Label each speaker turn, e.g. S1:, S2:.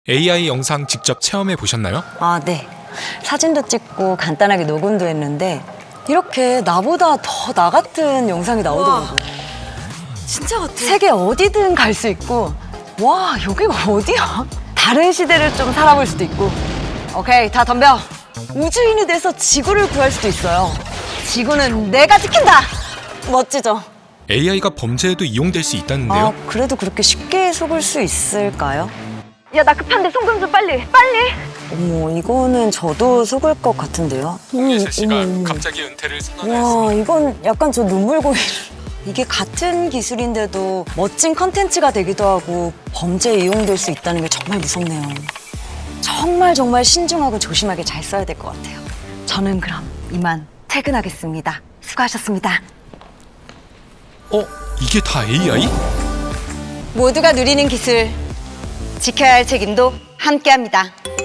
S1: AI 영상 직접 체험해 보셨나요?
S2: 아, 네. 사진도 찍고 간단하게 녹음도 했는데 이렇게 나보다 더 나 같은 영상이 나오더라고요.
S3: 진짜 같아.
S2: 세계 어디든 갈 수 있고, 와, 여기가 어디야? 다른 시대를 좀 살아볼 수도 있고. 오케이, 다 덤벼. 우주인이 돼서 지구를 구할 수도 있어요. 지구는 내가 지킨다! 멋지죠?
S1: AI가 범죄에도 이용될 수 있다는데요?
S2: 아, 그래도 그렇게 쉽게 속을 수 있을까요? 야, 나 급한데 송금 좀 빨리! 어머, 이거는 저도 속을 것 같은데요?
S1: 홍예슬 씨가
S2: 어머.
S1: 갑자기 은퇴를 선언했습니다.
S2: 와, 이건 약간 저 눈물 고이를. 이게 같은 기술인데도 멋진 컨텐츠가 되기도 하고 범죄에 이용될 수 있다는 게 정말 무섭네요. 정말 신중하고 조심하게 잘 써야 될 것 같아요. 저는 그럼 이만 퇴근하겠습니다. 수고하셨습니다.
S1: 이게 다 AI?
S2: 모두가 누리는 기술, 지켜야 할 책임도 함께합니다.